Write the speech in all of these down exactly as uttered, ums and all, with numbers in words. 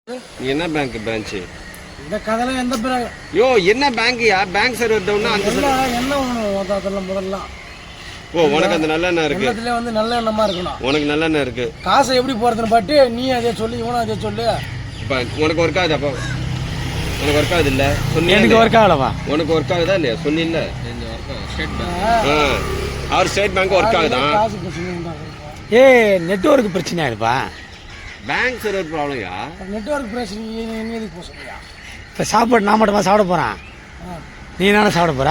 நீ என்ன bank branch இந்த கதையில எந்த பேங்க் யோ என்ன பேங்க்யா பேங்க் சர்வர் டவுன்னா அந்த என்ன முதல்ல முதல்ல ஓ உனக்கு அந்த நல்ல எண்ணம் இருக்கு எண்ணத்துல வந்து நல்ல எண்ணமா இருக்கணும். உனக்கு நல்ல எண்ணம் இருக்கு. காசை எப்படி போறதுன்னு பாட்டு நீ அதே சொல்லி இவனும் அதே சொல்லு. இப்போ உனக்கு ஒர்க் ஆகுது அப்போ உனக்கு ஒர்க் ஆகுது இல்ல சொன்னீங்க எனக்கு ஒர்க் ஆகலவா உனக்கு ஒர்க் ஆகுதா இல்லையா சொன்னீல்ல அவர் ஸ்டேட் பேங்க் ஒர்க் ஆகுதா காசு பிரச்சனை ஏ நெட்வொர்க் பிரச்சனை ஆயிடுப்பா பேங்க் சர்வர் ப்ராப்ளம்யா நெட்வொர்க் பிரச்சனை நீ எதுக்கு போக சொல்றியா? இப்போ சாப்பாடு நான் மட்டுமா சாப்பிட போகிறேன் நீ தானே சாப்பிட போகிற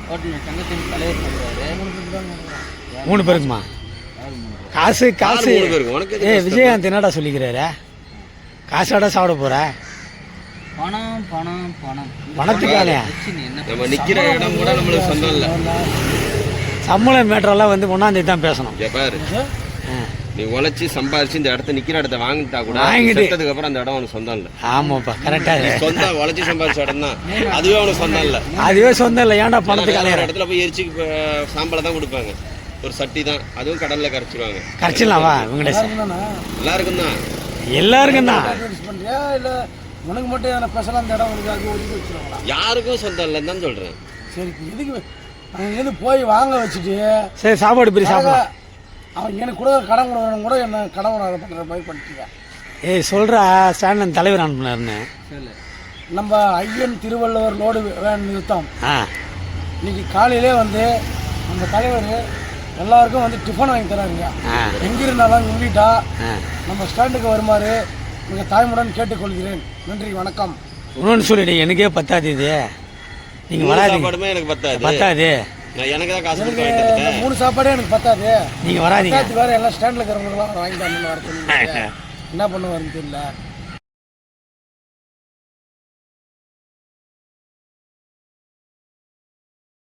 மூணு பேருக்குமா காசு காசு மூணு பேருக்கு உனக்கு ஏ விஜயகாந்த் என்னடா சொல்லிக்கிறாரு காசாடா சாப்பிட போகிற பணம் பணம் பணம் பணத்துக்கானே நம்ம நிக்கிற இடம் கூட நம்மளுக்கு சொந்தம் இல்லை. சம்பளம் மேட்டரெல்லாம் வந்து ஒன்றாந்தேதி தான் பேசணும். இங்க பாரு நீ உழைச்சி சம்பாதிச்சு இந்த இடத்த நிக்கிற இடத்த வாங்கிட்டா கூட வாங்கிட்டு செத்ததுக்கு அப்புறம் அந்த இடம் உனக்கு சொந்தம் இல்லை. ஆமாப்பா கரெக்டாக சொந்தம் உழைச்சி சம்பாதிச்ச இடம் தான் அதுவே உனக்கு சொந்தம் இல்லை. அதுவே சொந்தம் இல்லை ஏன்டா பணத்துக்கு வேற அலையிற இடத்துல போய் எரிச்சு சாம்பலை தான் கொடுப்பாங்க ஒரு சட்டி தான் அதுவும் கடல்ல கரைச்சிருவாங்க. கரைச்சிடலாம் வா வெங்கடேஷன் எல்லாருக்கும் தான் எல்லாருக்கும் தான் பண்றியா இல்ல உனக்கு மட்டும் எதனா ஸ்பெஷலா அந்த இடம் உனக்கு அது ஒதுக்கி வச்சிருவாங்களா? யாருக்கும் சொந்தம் இல்லைன்னு தான் சொல்றேன். சரி எதுக்கு அவங்க எது போய் வாங்க வச்சுட்டு சரி சாப்பாடு பிரி சாப்பிடலாம். அவன் எனக்கு கூட கடன் கொடுக்கணும் கூட என்ன கடன் அதை பண்ணுற மாதிரி பண்ணிட்டீங்க. ஏய் சொல்கிறா ஸ்டாண்டன் தலைவர் அனுப்புனாருன்னு நம்ம ஐயன் திருவள்ளுவர் லோடு வேன் நிறுத்தம் ஆ இன்னைக்கு காலையிலே வந்து நம்ம தலைவர் எல்லாருக்கும் வந்து டிஃபன் வாங்கி தராருங்க. ஆ எங்கிருந்தாலும் சொல்லிட்டா ஆ நம்ம ஸ்டாண்டுக்கு வருமாறு நீங்கள் தாய்முடன் கேட்டுக்கொள்கிறேன். நன்றி வணக்கம். இன்னொன்று சொல்லிடு எனக்கே பத்தாது இது நீங்கள் மூணு வராதீங்க சாப்பாடுமே எனக்கு பத்தாது பத்தாது நான் எனக்கு தான் காசு கொடுத்து எனக்கு வாங்கிட்டு இந்த வந்துட்டேன். மூணு சாப்பாடே எனக்கு பத்தாது. நீங்கள் வராதீங்க பத்தாது வேறு எல்லாம் ஸ்டாண்டில் இருக்கிறவங்களுக்குலாம் வாங்கி தரணும்னு வர சொல்லி என்ன பண்ணுவாருன்னு தெரியல.